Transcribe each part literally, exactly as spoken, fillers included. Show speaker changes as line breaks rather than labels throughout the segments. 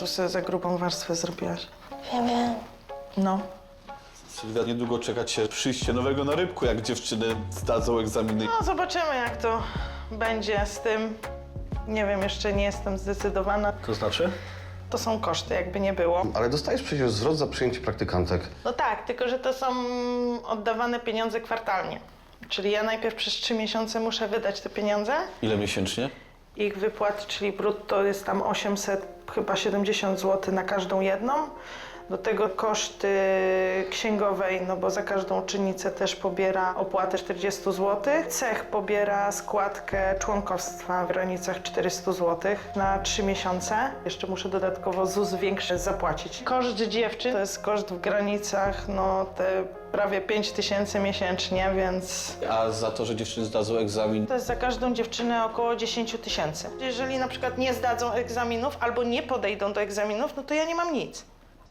tu sobie za grubą warstwę zrobiłaś.
Wiem, wiem.
No.
Sylwia, niedługo czeka cię przyjście nowego na rybku, jak dziewczyny zdadzą egzaminy.
No, zobaczymy, jak to będzie z tym. Nie wiem, jeszcze nie jestem zdecydowana.
To znaczy?
To są koszty, jakby nie było.
Ale dostajesz przecież zwrot za przyjęcie praktykantek.
No tak, tylko że to są oddawane pieniądze kwartalnie. Czyli ja najpierw przez trzy miesiące muszę wydać te pieniądze.
Ile miesięcznie?
Ich wypłat, czyli brutto jest tam osiemset, chyba siedemdziesiąt złotych na każdą jedną. Do tego koszty księgowej, no bo za każdą uczennicę też pobiera opłatę czterdzieści złotych. Cech pobiera składkę członkostwa w granicach czterysta złotych na trzy miesiące. Jeszcze muszę dodatkowo Z U S większy zapłacić. Koszt dziewczyn to jest koszt w granicach, no te prawie pięć tysięcy miesięcznie, więc
A za to, że dziewczyny zdadzą egzamin,
to jest za każdą dziewczynę około dziesięć tysięcy. Jeżeli na przykład nie zdadzą egzaminów albo nie podejdą do egzaminów, no to ja nie mam nic.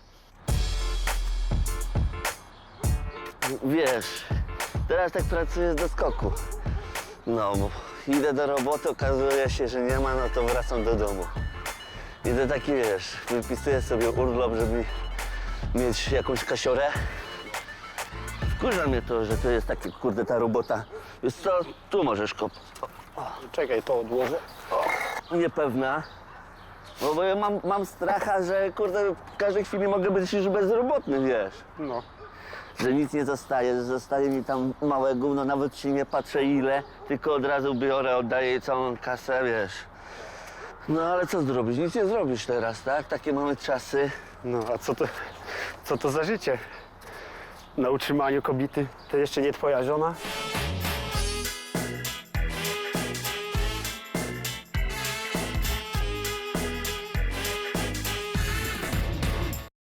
Wiesz, teraz tak pracuję z doskoku. No, bo idę do roboty, okazuje się, że nie ma, no to wracam do domu. Idę taki, wiesz, wypisuję sobie urlop, żeby mieć jakąś kasiorę. Wkurza mnie to, że to jest takie, kurde, ta robota. Wiesz co, tu możesz kop...
Czekaj, to odłożę.
Niepewna. No bo ja mam, mam stracha, że, kurde, w każdej chwili mogę być już bezrobotny, wiesz.
No.
Że nic nie zostaje, zostaje mi tam małe gówno, nawet się nie patrzę ile, tylko od razu biorę, oddaję jej całą kasę, wiesz. No ale co zrobić? Nic nie zrobisz teraz, tak? Takie mamy czasy.
No, a co to, co to za życie? Na utrzymaniu kobiety to jeszcze nie twoja żona?